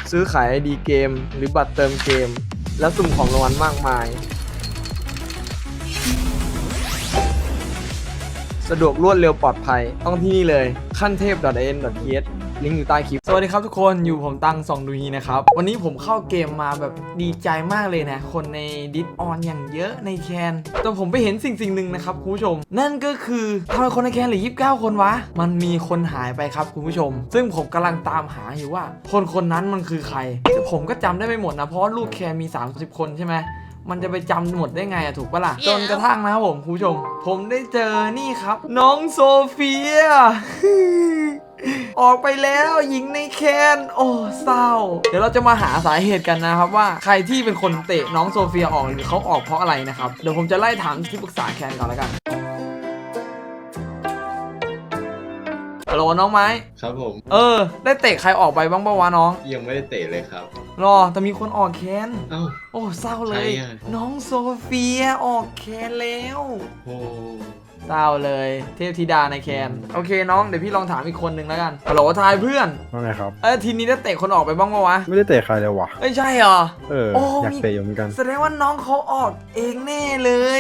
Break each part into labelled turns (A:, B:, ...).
A: ซื้อขาย ID เกมหรือบัตรเติมเกมและสุ่มของรางวัลมากมายสะดวกรวดเร็วปลอดภัยต้องที่นี่เลยขั้นเทพ .in.th ลิงก์อยู่ใต้คลิปสวัสดีครับทุกคนอยู่ผมตังส่องดูฮีนะครับวันนี้ผมเข้าเกมมาแบบดีใจมากเลยนะคนในดิสออนอย่างเยอะในแคนแต่ผมไปเห็นสิ่งหนึ่งนะครับคุณผู้ชมนั่นก็คือทำไมคนในแคนเหลือ29คนวะมันมีคนหายไปครับคุณผู้ชมซึ่งผมกำลังตามหาอยู่ว่าคนนั้นมันคือใครแต่ผมก็จำได้ไม่หมดนะเพราะลูกแคนมี30คนใช่ไหมมันจะไปจำหมดได้ไงอะถูกปะล่ะจนกระทั่งนะครับผมคุณผู้ชมผมได้เจอนี่ครับน้องโซเฟีย ออกไปแล้วหญิงในแคนโอ้เศร้าเดี๋ยวเราจะมาหาสาเหตุกันนะครับว่าใครที่เป็นคนเตะน้องโซเฟียออกหรือเขาออกเพราะอะไรนะครับเดี๋ยวผมจะไล่ถามที่ปรึกษาแคนก่อนแล้วกันฮัลโหลน้องไม้
B: ครับผม
A: ได้เตะใครออกไปบ้างปะวะน้อง
B: ยังไม่ได้เตะเลยครับ
A: รอแต่มีคนออกแคน
B: เอ้า
A: โอ้เศร้าเลยน้องโซเฟียออกแคนแล้ว
B: โอ้
A: เศร้าเลยเทพธิดาในแคนโอเคน้องเดี๋ยวพี่ลองถามอีกคนหนึ่งแล้วกันฮัลโหลทายเพื่อน
C: ว่าไงครับ
A: ทีนี้ได้เตะคนออกไปบ้างปะวะ
C: ไม่ได้เตะใครเลยวะ
A: ไม่ใช่เหรอ
C: อยากเตะอยู่เหมือนกัน
A: แสดงว่าน้องเขาออกเองแน่เลย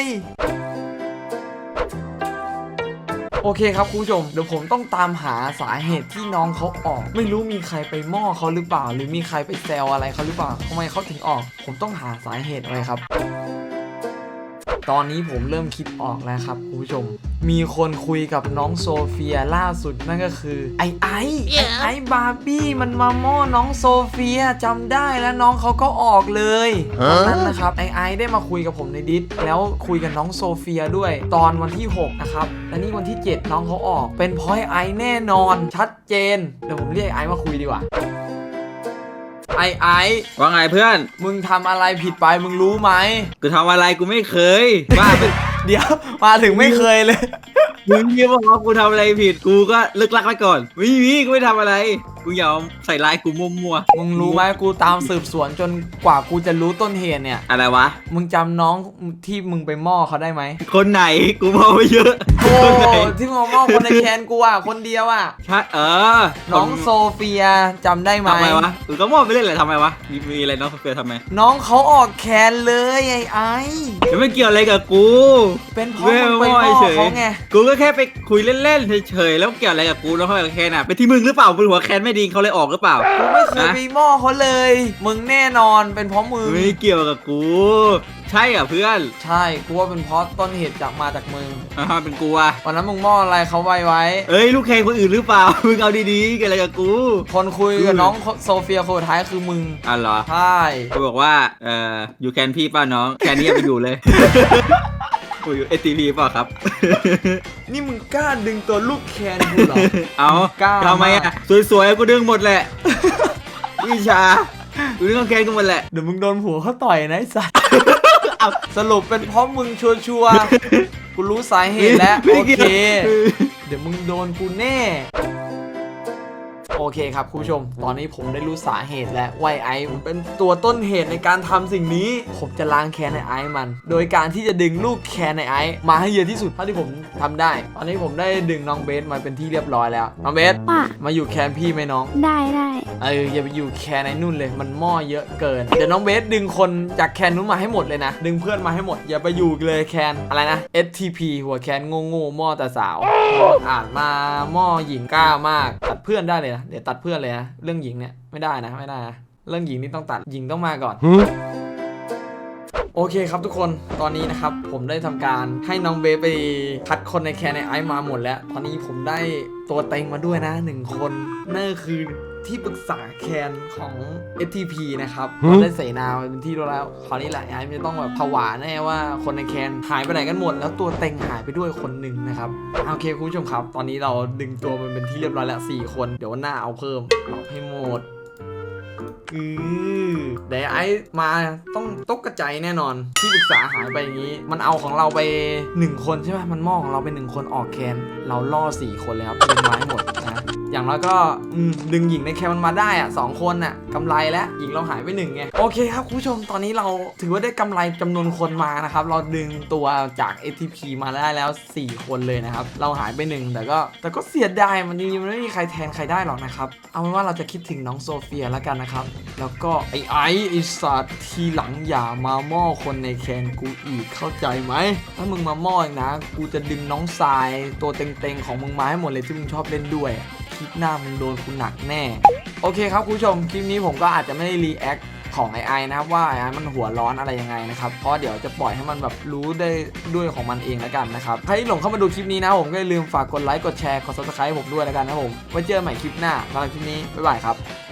A: โอเคครับคุณผู้ชมเดี๋ยวผมต้องตามหาสาเหตุที่น้องเขาออกไม่รู้มีใครไปม่อเขาหรือเปล่าหรือมีใครไปแซวอะไรเขาหรือเปล่าทำไมเขาถึงออกผมต้องหาสาเหตุอะไรครับตอนนี้ผมเริ่มคิดออกแล้วครับคุณผู้ชมมีคนคุยกับน้องโซเฟียล่าสุดนั่นก็คือไอ้บาร์บี้มันมาม่อน้องโซเฟียจำได้แล้วน้องเขาก็ออกเลยตอนนั้นนะครับไอ้ได้มาคุยกับผมในดิสแล้วคุยกับน้องโซเฟียด้วยตอนวันที่6นะครับและนี่วันที่7น้องเขาออกเป็นเพราะไอ้แน่นอนชัดเจนเดี๋ยวผมเรียกไอ้มาคุยดีกว่าไอ้
D: ว่าไงเพื่อน
A: มึงทำอะไรผิดไปมึงรู้ไหม
D: กูทำอะไรกูไม่เคยบ้า
A: เดี๋ยวมาถึงไม่เคยเลย
D: มึงเยี่ยมว่ากูทำอะไรผิดกูก็เลิกลักไว้ก่อนไม่มีกูไม่ทำอะไรกูอย่าใส่ลายกูมั่ว
A: มึงรู้ไหมกูตามสืบสวนจนกว่ากูจะรู้ต้นเหตุเนี่ย
D: อะไรวะ
A: มึงจำน้องที่มึงไปม่อเขาได้ไหม
D: คนไหนกูมองไปเยอะ
A: โอ้ที่มึงม่อคนในแคนกูอ่ะคนเดียวอ่ะ
D: ใช่
A: น้องโซเฟียจำได้ไหม
D: ทำไมวะก็มองไปเรื่อยเลยทำไมวะมีอะไรน้องโซเฟียทำไม
A: น้องเขาออกแคนเลยไอ้
D: ไม่เกี่ยวอะไรกับกู
A: เป็นเพราะมึงไปม่อเขาไง
D: กูก็แค่ไปคุยเล่นๆเฉยๆแล้วเกี่ยวอะไรกับกูแล้วเขากับแคนอ่ะเป็นที่มึงหรือเปล่าเป็นหัวแคนไม่ดีเขาเลยออกหรือเปล่า
A: กูไม่เคยไปม่อเขาเลยมึงแน่นอนเป็นเพราะมึง
D: ไม่เกี่ยวกับกูใช่อ่ะเพื่อน
A: ใช่กูว่าเป็นเพราะต้นเหตุมาจากมึง
D: เป็นกูอ่ะ
A: วันนั้นมึงม่ออะไรเขาไว้
D: เอ้ยลูกแข่งคนอื่นหรือเปล่ามึงเอาดีๆกันอะไรกับกู
A: คนคุยกับน้องโซเฟียคนท้ายคือมึง
D: เหรอ
A: ใช่
D: กูบอกว่าอยู่แคนพี่ป้าน้องแคนนี้ไปอยู่เลยกูอยู่ATPเปล่าครับ
A: นี่มึงกล้าดึงตัวลูกแคนกูเหรอ
D: เอาทำไมอ่ะสวยๆกูดึงหมดแหละวิชากูดึงแคนกูหมดแหละ
A: เดี๋ยวมึงโดนหัวเขาต่อยนะไอ้สัสสรุปเป็นเพราะมึงชัวร์กูรู้สาเหตุแล้วโอเคเดี๋ยวมึงโดนกูแน่โอเคครับคุณผู้ชมตอนนี้ผมได้รู้สาเหตุแล้วว่าไอ้มันเป็นตัวต้นเหตุในการทำสิ่งนี้ผมจะล้างแค้นในไอ้มันโดยการที่จะดึงลูกแค้นในไอ้มาให้เยอะที่สุดเท่าที่ผมทำได้ตอนนี้ผมได้ดึงน้องเบสมาเป็นที่เรียบร้อยแล้วน้องเบสมาอยู่แคนพี่ไหมน้อง
E: ได้
A: อย่าไปอยู่แคนในนู่นเลยมันหม้อเยอะเกินเดี๋ยวน้องเบสดึงคนจากแคนนู้นมาให้หมดเลยนะดึงเพื่อนมาให้หมดอย่าไปอยู่เลยแคนอะไรนะ STP หัวแคนโง่หม้อแต่สาวอ่านมาหม้อหญิงกล้ามากตัดเพื่อนได้เลยนะเดี๋ยวตัดเพื่อนเลยนะเรื่องหญิงเนี่ยไม่ได้นะเรื่องหญิงนี่ต้องตัดหญิงต้องมาก่อนโอเคครับทุกคนตอนนี้นะครับผมได้ทำการให้น้องเบสไปคัดคนในแคนในไอซ์มาหมดแล้วตอนนี้ผมได้ตัวเต็งมาด้วยนะ1คนนั่นคือที่ปรึกษาแคนของ STP นะครับได้เสนาเป็นที่รู้แล้วคราวนี้แหละไอ้จะต้องแบบผวาแน่ว่าคนในแคนหายไปไหนกันหมดแล้วตัวเต็งหายไปด้วยคนหนึ่งนะครับโอเคคุณผู้ชมครับตอนนี้เราดึงตัวมันเป็นที่เรียบร้อยแล้ว4คนเดี๋ยวหน้าเอาเพิ่มเอาให้หมดเดี๋ยวไอ้มาต้องตกกระจายแน่นอนที่ปรึกษาหายไปอย่างนี้มันเอาของเราไป1คนใช่ไหมมันมองของเราไป1คนออกแคนเราล่อ4คนเลยครับเป็นไม้หมดนะอย่างน้อยก็ดึงหญิงในแคมมันมาได้อะ2 คนน่ะกำไรแล้วหญิงเราหายไป1ไงโอเคครับคุณผู้ชมตอนนี้เราถือว่าได้กำไรจำนวนคนมานะครับเราดึงตัวจาก ATP มาได้แล้ว4 คนเลยนะครับเราหายไป1แต่ก็เสียดายมันจริงๆมันไม่มีใครแทนใครได้หรอกนะครับเอาเป็นว่าเราจะคิดถึงน้องโซเฟียแล้วกันนะครับแล้วก็ไอ้สัตว์ทีหลังอย่ามาม่อคนในแคนกูอีกเข้าใจไหมถ้ามึงมาม่ออีกนะกูจะดึงน้องทรายตัวเต็งๆของมึงมาให้หมดเลยที่มึงชอบเล่นด้วยคลิปหน้ามึงโดนกูหนักแน่โอเคครับคุณผู้ชมคลิปนี้ผมก็อาจจะไม่ได้รีแอคของไอนะครับว่าไอมันหัวร้อนอะไรยังไงนะครับเพราะเดี๋ยวจะปล่อยให้มันแบบรู้ได้ด้วยของมันเองแล้วกันนะครับใครที่หลงเข้ามาดูคลิปนี้นะผมก็อย่าลืมฝากกดไลค์กดแชร์กด Subscribe ผมด้วยแล้วกันนะผมไว้เจอกันใหม่คลิปหน้าสำหรับคลิปนี้บ๊ายบายครับ